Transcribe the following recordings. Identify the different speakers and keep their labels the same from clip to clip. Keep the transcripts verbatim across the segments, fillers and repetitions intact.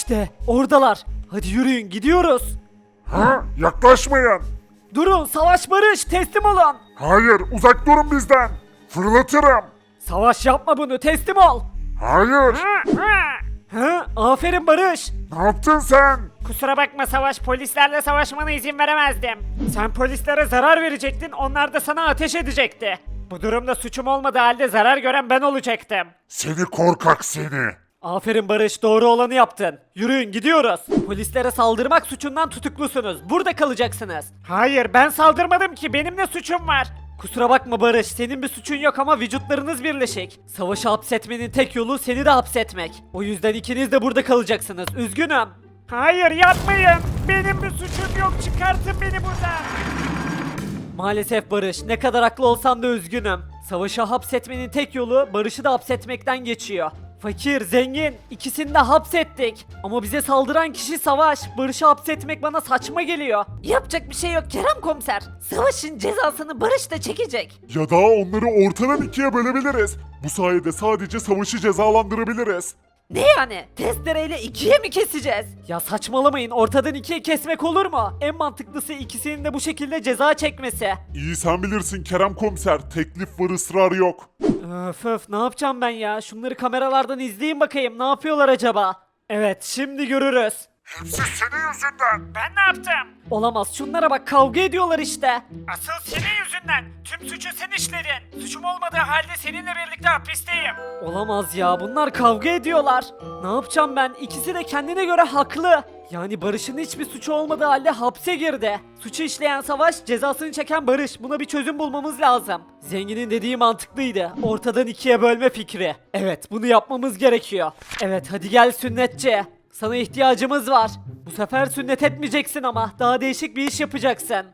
Speaker 1: İşte oradalar. Hadi yürüyün gidiyoruz.
Speaker 2: Ha? Yaklaşmayın.
Speaker 1: Durun Savaş Barış teslim olun.
Speaker 2: Hayır, uzak durun bizden. Fırlatırım.
Speaker 1: Savaş yapma bunu teslim ol.
Speaker 2: Hayır.
Speaker 1: Ha, aferin Barış.
Speaker 2: Ne yaptın sen?
Speaker 3: Kusura bakma Savaş, polislerle savaşmana izin veremezdim. Sen polislere zarar verecektin, onlar da sana ateş edecekti. Bu durumda suçum olmadığı halde zarar gören ben olacaktım.
Speaker 2: Seni korkak seni.
Speaker 1: Aferin Barış doğru olanı yaptın. Yürüyün gidiyoruz. Polislere saldırmak suçundan tutuklusunuz. Burada kalacaksınız.
Speaker 3: Hayır, ben saldırmadım ki, benim ne suçum var?
Speaker 1: Kusura bakma Barış, senin bir suçun yok ama vücutlarınız birleşik. Savaşı hapsetmenin tek yolu seni de hapsetmek. O yüzden ikiniz de burada kalacaksınız. Üzgünüm.
Speaker 3: Hayır, yapmayın. Benim bir suçum yok, çıkartın beni buradan.
Speaker 1: Maalesef Barış, ne kadar haklı olsan da üzgünüm. Savaşı hapsetmenin tek yolu Barış'ı da hapsetmekten geçiyor. Fakir, zengin, ikisini de hapsettik. Ama bize saldıran kişi Savaş. Barış'ı hapsetmek bana saçma geliyor.
Speaker 4: Yapacak bir şey yok Kerem komiser. Savaşın cezasını Barış da çekecek.
Speaker 2: Ya da onları ortadan ikiye bölebiliriz. Bu sayede sadece savaşı cezalandırabiliriz.
Speaker 4: Ne yani? Testereyle ikiye mi keseceğiz?
Speaker 1: Ya saçmalamayın, ortadan ikiye kesmek olur mu? En mantıklısı ikisinin de bu şekilde ceza çekmesi.
Speaker 2: İyi sen bilirsin Kerem komiser. Teklif var, ısrar yok.
Speaker 1: Öf öf, ne yapacağım ben ya? Şunları kameralardan izleyin bakayım, ne yapıyorlar acaba? Evet, şimdi görürüz.
Speaker 2: Hepsi senin yüzünden.
Speaker 3: Ben ne yaptım?
Speaker 1: Olamaz, şunlara bak, kavga ediyorlar işte.
Speaker 3: Asıl senin yüzünden. Tüm suçu sen işledin. Suçum olmadığı halde seninle birlikte hapisteyim.
Speaker 1: Olamaz ya, bunlar kavga ediyorlar. Ne yapacağım ben? İkisi de kendine göre haklı. Yani Barış'ın hiçbir suçu olmadığı halde hapse girdi. Suçu işleyen Savaş, cezasını çeken Barış. Buna bir çözüm bulmamız lazım. Zenginin dediği mantıklıydı. Ortadan ikiye bölme fikri. Evet, bunu yapmamız gerekiyor. Evet, hadi gel sünnetçi. Sana ihtiyacımız var. Bu sefer sünnet etmeyeceksin ama daha değişik bir iş yapacaksın.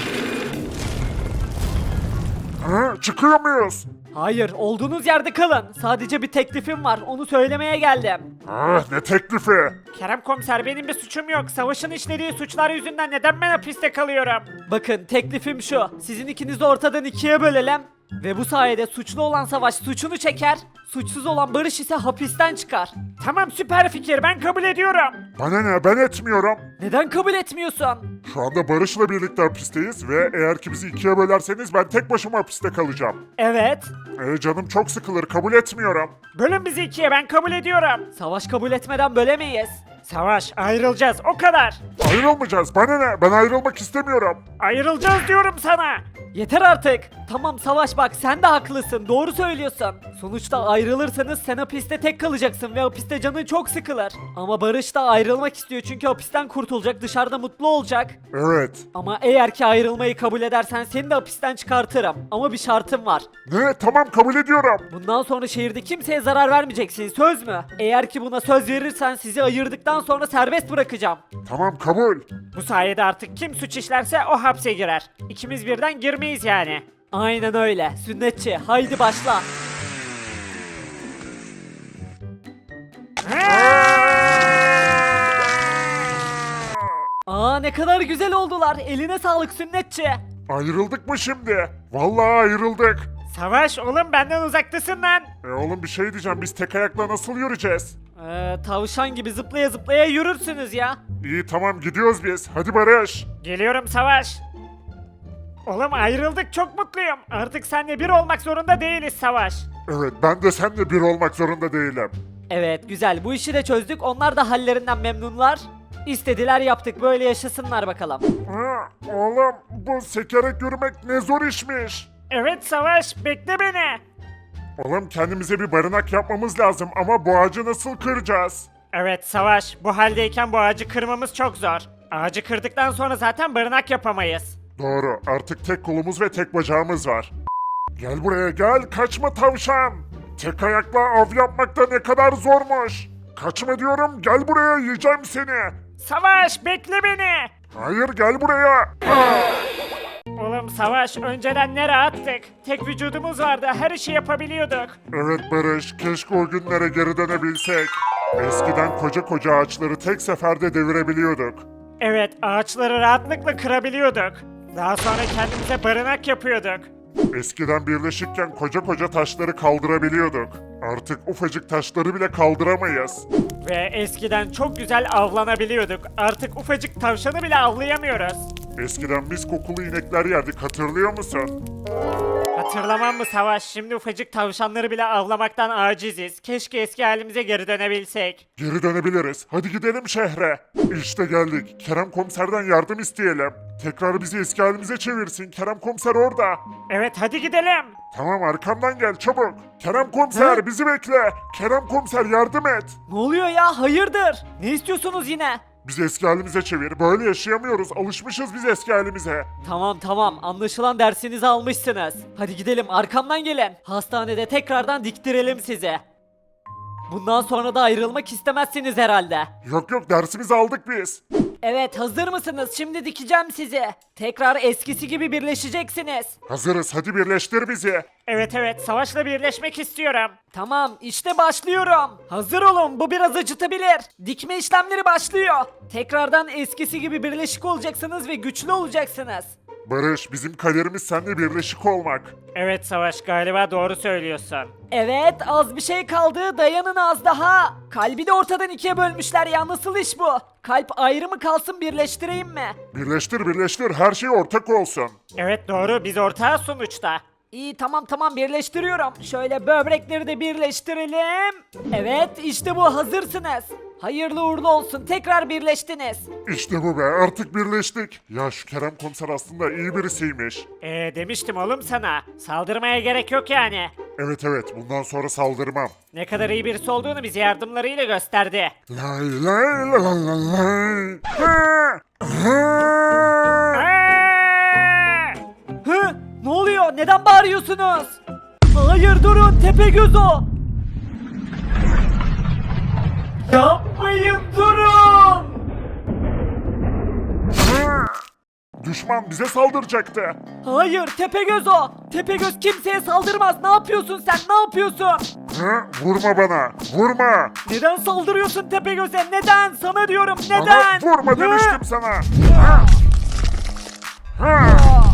Speaker 2: Ha? Çıkıyor muyuz?
Speaker 1: Hayır, olduğunuz yerde kalın. Sadece bir teklifim var, onu söylemeye geldim.
Speaker 2: Ah, ne teklifi?
Speaker 3: Kerem komiser, benim bir suçum yok. Savaşın işlediği suçlar yüzünden neden ben hapiste kalıyorum?
Speaker 1: Bakın, teklifim şu. Sizin ikinizi ortadan ikiye bölelim. Ve bu sayede suçlu olan Savaş suçunu çeker. Suçsuz olan Barış ise hapisten çıkar.
Speaker 3: Tamam, süper fikir, ben kabul ediyorum.
Speaker 2: Bana ne, ben etmiyorum.
Speaker 1: Neden kabul etmiyorsun?
Speaker 2: Şu anda Barış'la birlikte hapisteyiz ve eğer ki bizi ikiye bölerseniz ben tek başıma hapiste kalacağım.
Speaker 3: Evet.
Speaker 2: Ee, canım çok sıkılır, kabul etmiyorum.
Speaker 3: Bölün bizi ikiye, ben kabul ediyorum.
Speaker 1: Savaş kabul etmeden bölemeyiz.
Speaker 3: Savaş, ayrılacağız, o kadar.
Speaker 2: Ayrılmayacağız, bana ne, ben ayrılmak istemiyorum.
Speaker 3: Ayrılacağız diyorum sana.
Speaker 1: Yeter artık. Tamam Savaş, bak sen de haklısın. Doğru söylüyorsun. Sonuçta ayrılırsanız sen hapiste tek kalacaksın ve hapiste canın çok sıkılır. Ama Barış da ayrılmak istiyor çünkü hapisten kurtulacak, dışarıda mutlu olacak.
Speaker 2: Evet.
Speaker 1: Ama eğer ki ayrılmayı kabul edersen seni de hapisten çıkartırım. Ama bir şartım var.
Speaker 2: Ne, tamam kabul ediyorum.
Speaker 1: Bundan sonra şehirde kimseye zarar vermeyeceksin, söz mü? Eğer ki buna söz verirsen sizi ayırdıktan sonra serbest bırakacağım.
Speaker 2: Tamam kabul.
Speaker 3: Bu sayede artık kim suç işlerse o hapse girer. İkimiz birden girmeyiz yani.
Speaker 1: Aynen öyle. Sünnetçi, haydi başla. Aa, ne kadar güzel oldular. Eline sağlık sünnetçi.
Speaker 2: Ayrıldık mı şimdi? Vallahi ayrıldık.
Speaker 3: Savaş, oğlum benden uzaktasın lan.
Speaker 2: E oğlum bir şey diyeceğim, biz tek ayakla nasıl yürüyeceğiz?
Speaker 1: Ee, tavşan gibi zıplaya zıplaya yürürsünüz ya.
Speaker 2: İyi tamam gidiyoruz biz. Hadi Barış.
Speaker 3: Geliyorum Savaş. Oğlum ayrıldık, çok mutluyum. Artık seninle bir olmak zorunda değiliz Savaş.
Speaker 2: Evet ben de seninle bir olmak zorunda değilim.
Speaker 1: Evet, güzel. Bu işi de çözdük. Onlar da hallerinden memnunlar. İstediler yaptık. Böyle yaşasınlar bakalım.
Speaker 2: Ha, oğlum bu sekerek yürümek ne zor işmiş.
Speaker 3: Evet Savaş, bekle beni.
Speaker 2: Oğlum kendimize bir barınak yapmamız lazım ama bu ağacı nasıl kıracağız?
Speaker 3: Evet Savaş, bu haldeyken bu ağacı kırmamız çok zor. Ağacı kırdıktan sonra zaten barınak yapamayız.
Speaker 2: Doğru, artık tek kolumuz ve tek bacağımız var. Gel buraya gel, kaçma tavşan. Tek ayakla av yapmak da ne kadar zormuş. Kaçma diyorum, gel buraya yiyeceğim seni.
Speaker 3: Savaş, bekle beni.
Speaker 2: Hayır gel buraya.
Speaker 3: Oğlum Savaş, önceden ne rahattık. Tek vücudumuz vardı, her işi yapabiliyorduk.
Speaker 2: Evet Barış, keşke o günlere geri dönebilsek. Eskiden koca koca ağaçları tek seferde devirebiliyorduk.
Speaker 3: Evet, ağaçları rahatlıkla kırabiliyorduk. Daha sonra kendimize barınak yapıyorduk.
Speaker 2: Eskiden birleşikken koca koca taşları kaldırabiliyorduk. Artık ufacık taşları bile kaldıramayız.
Speaker 3: Ve eskiden çok güzel avlanabiliyorduk. Artık ufacık tavşanı bile avlayamıyoruz.
Speaker 2: Eskiden biz kokulu inekler yerdik, hatırlıyor musun?
Speaker 3: Hatırlamam mı Savaş? Şimdi ufacık tavşanları bile avlamaktan aciziz. Keşke eski halimize geri dönebilsek.
Speaker 2: Geri dönebiliriz. Hadi gidelim şehre. İşte geldik. Kerem komiserden yardım isteyelim. Tekrar bizi eski halimize çevirsin. Kerem komiser orada.
Speaker 3: Evet hadi gidelim.
Speaker 2: Tamam, arkamdan gel çabuk. Kerem komiser
Speaker 1: Hı?
Speaker 2: bizi bekle. Kerem komiser yardım et.
Speaker 1: Ne oluyor ya? Hayırdır? Ne istiyorsunuz yine?
Speaker 2: Bizi eski halimize çevir. Böyle yaşayamıyoruz. Alışmışız biz eski halimize.
Speaker 1: Tamam tamam, anlaşılan dersinizi almışsınız. Hadi gidelim, arkamdan gelin. Hastanede tekrardan diktirelim sizi. Bundan sonra da ayrılmak istemezsiniz herhalde.
Speaker 2: Yok yok, dersimizi aldık biz.
Speaker 1: Evet, hazır mısınız? Şimdi dikeceğim sizi. Tekrar eskisi gibi birleşeceksiniz.
Speaker 2: Hazırız, hadi birleştir bizi.
Speaker 3: Evet evet Savaş'la birleşmek istiyorum.
Speaker 1: Tamam, işte başlıyorum. Hazır olun, bu biraz acıtabilir. Dikme işlemleri başlıyor. Tekrardan eskisi gibi birleşik olacaksınız ve güçlü olacaksınız.
Speaker 2: Barış, bizim kaderimiz seninle birleşik olmak.
Speaker 3: Evet Savaş galiba doğru söylüyorsun.
Speaker 1: Evet, az bir şey kaldı. Dayanın az daha. Kalbi de ortadan ikiye bölmüşler ya. Nasıl iş bu? Kalp ayrı mı kalsın, birleştireyim mi?
Speaker 2: Birleştir birleştir, her şey ortak olsun.
Speaker 3: Evet doğru biz ortağız sonuçta.
Speaker 1: İyi, tamam tamam, birleştiriyorum. Şöyle böbrekleri de birleştirelim. Evet, işte bu, hazırsınız. Hayırlı uğurlu olsun, tekrar birleştiniz.
Speaker 2: İşte bu be, artık birleştik. Ya şu Kerem komiser aslında iyi birisiymiş.
Speaker 3: Ee demiştim oğlum sana. Saldırmaya gerek yok yani.
Speaker 2: Evet evet, bundan sonra saldırmam.
Speaker 3: Ne kadar iyi birisi olduğunu bize yardımlarıyla gösterdi.
Speaker 2: Lay lay la la la lay. Ha! Ha!
Speaker 3: Aa!
Speaker 1: Hı? Ne oluyor? Neden bağırıyorsunuz? Hayır, durun, Tepegöz o. Yapmayın, durun.
Speaker 2: Ha! Düşman bize saldıracaktı.
Speaker 1: Hayır, Tepegöz o. Tepegöz kimseye saldırmaz. Ne yapıyorsun sen? Ne yapıyorsun?
Speaker 2: Ha? Vurma bana, vurma.
Speaker 1: Neden saldırıyorsun Tepegöz'e? Neden? Sana diyorum,
Speaker 2: Bana
Speaker 1: neden?
Speaker 2: vurma
Speaker 1: Hı?
Speaker 2: demiştim sana. Ha! Ha!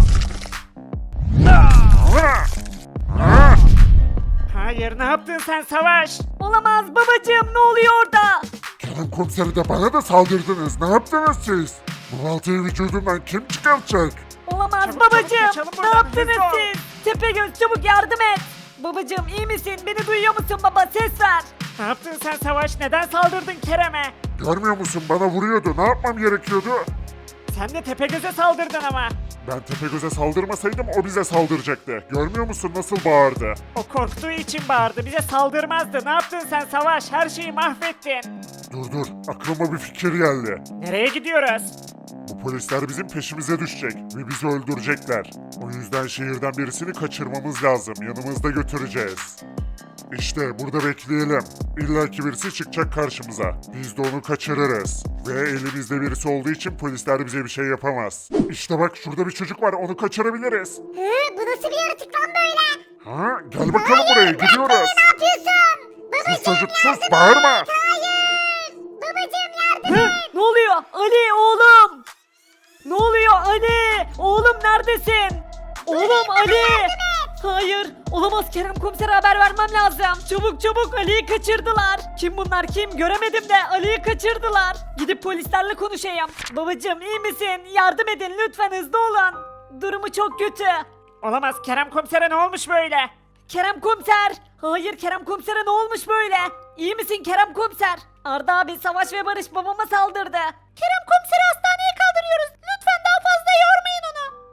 Speaker 2: Ha! Ha!
Speaker 3: Hayır ne yaptın sen Savaş?
Speaker 1: Olamaz babacığım, ne oluyor orada?
Speaker 2: Kerem komiseri de bana da saldırdınız. Ne yaptınız siz? Bu baltayı vücudumdan kim çıkartacak?
Speaker 1: Olamaz
Speaker 3: Çabuk,
Speaker 1: babacığım.
Speaker 3: çabuk, kaçalım
Speaker 1: Ne
Speaker 3: buradan,
Speaker 1: yaptınız
Speaker 3: hızlı ol.
Speaker 1: siz? Tepegöz, çabuk yardım et. Babacığım, iyi misin? Beni duyuyor musun baba? Ses ver.
Speaker 3: Ne yaptın sen Savaş? Neden saldırdın Kerem'e?
Speaker 2: Görmüyor musun? Bana vuruyordu. Ne yapmam gerekiyordu?
Speaker 3: Sen de Tepegöz'e saldırdın ama.
Speaker 2: Ben Tepegöz'e saldırmasaydım o bize saldıracaktı. Görmüyor musun nasıl bağırdı?
Speaker 3: O korktuğu için bağırdı. Bize saldırmazdı. Ne yaptın sen Savaş? Her şeyi mahvettin.
Speaker 2: Dur dur, aklıma bir fikir geldi.
Speaker 3: Nereye gidiyoruz?
Speaker 2: Bu polisler bizim peşimize düşecek ve bizi öldürecekler. O yüzden şehirden birisini kaçırmamız lazım. Yanımızda götüreceğiz. İşte burada bekleyelim. İlla ki birisi çıkacak karşımıza. Biz de onu kaçırırız. Ve elimizde birisi olduğu için polisler bize bir şey yapamaz. İşte bak, şurada bir çocuk var, onu kaçırabiliriz.
Speaker 5: Hı, bu nasıl bir yaratık lan böyle?
Speaker 2: Ha? Gel bakalım buraya, gidiyoruz.
Speaker 5: Ne yapıyorsun?
Speaker 2: Sus
Speaker 5: Babacım
Speaker 2: çocuk sus,
Speaker 5: yardım
Speaker 2: bağırma.
Speaker 5: et. Hayır. Babacım yardım
Speaker 1: Hı?
Speaker 5: et.
Speaker 1: Ne oluyor? Ali oğlum. Ne oluyor Ali? Oğlum neredesin? Oğlum Ali. Hayır, olamaz, Kerem komisere haber vermem lazım. Çabuk çabuk, Ali'yi kaçırdılar. Kim bunlar, kim? Göremedim de Ali'yi kaçırdılar. Gidip polislerle konuşayım. Babacım, iyi misin? Yardım edin lütfen, hızlı olun. Durumu çok kötü.
Speaker 3: Olamaz. Kerem komisere ne olmuş böyle?
Speaker 1: Kerem komiser. Hayır, Kerem komisere ne olmuş böyle? İyi misin Kerem komiser? Arda abi, Savaş ve Barış babama saldırdı. Kerem komiseri hastaneye kaldırıyoruz. Lütfen daha fazla yormayın onu.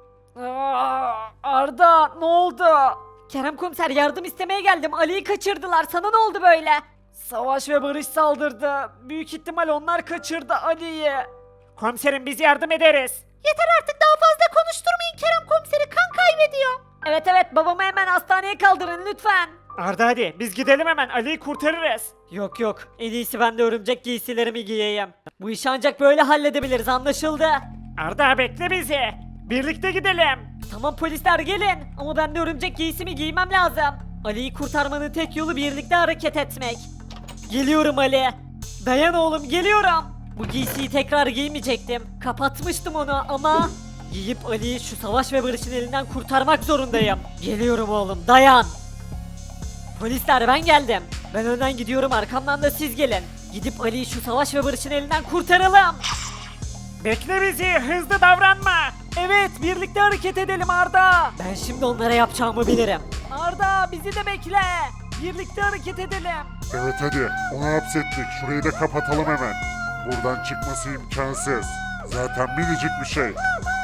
Speaker 1: Aa, Arda, ne oldu? Kerem komiser, yardım istemeye geldim. Ali'yi kaçırdılar. Sana ne oldu böyle? Savaş ve Barış saldırdı. Büyük ihtimal onlar kaçırdı Ali'yi.
Speaker 3: Komiserim biz yardım ederiz.
Speaker 1: Yeter artık, daha fazla konuşturmayın Kerem komiseri. Kan kaybediyor. Evet evet, babamı hemen hastaneye kaldırın lütfen.
Speaker 3: Arda hadi biz gidelim hemen. Ali'yi kurtarırız.
Speaker 1: Yok yok, en iyisi ben de örümcek giysilerimi giyeyim. Bu işi ancak böyle halledebiliriz, anlaşıldı.
Speaker 3: Arda bekle bizi. Birlikte gidelim.
Speaker 1: Tamam polisler, gelin, ama ben de örümcek giysimi giymem lazım. Ali'yi kurtarmanın tek yolu birlikte hareket etmek. Geliyorum Ali. Dayan oğlum, geliyorum. Bu giysiyi tekrar giymeyecektim. Kapatmıştım onu ama... Giyip Ali'yi şu Savaş ve Barış'ın elinden kurtarmak zorundayım. Geliyorum oğlum, dayan. Polisler, ben geldim. Ben önden gidiyorum, arkamdan da siz gelin. Gidip Ali'yi şu Savaş ve Barış'ın elinden kurtaralım.
Speaker 3: Bekle bizi, hızlı davranma.
Speaker 1: Evet, birlikte hareket edelim Arda. Ben şimdi onlara yapacağımı bilirim. Arda, bizi de bekle. Birlikte hareket edelim.
Speaker 2: Evet hadi onu hapsettik. Şurayı da kapatalım hemen. Buradan çıkması imkansız. Zaten minicik bir şey.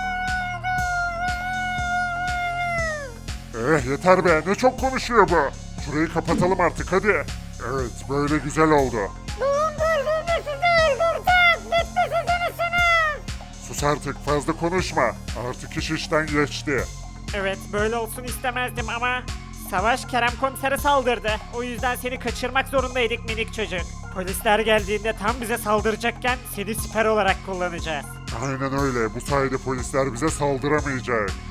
Speaker 2: Eh yeter be, ne çok konuşuyor bu. Şurayı kapatalım artık hadi. Evet böyle güzel oldu.
Speaker 5: Dur dur dur sizi öldüreceğiz. Bitti sizin işiniz.
Speaker 2: Sus artık, fazla konuşma. Artık iş işten geçti.
Speaker 3: Evet, böyle olsun istemezdim ama Savaş Kerem komisere saldırdı. O yüzden seni kaçırmak zorundaydık minik çocuk. Polisler geldiğinde tam bize saldıracakken seni siper olarak kullanacağız.
Speaker 2: Aynen öyle. Bu sayede polisler bize saldıramayacak.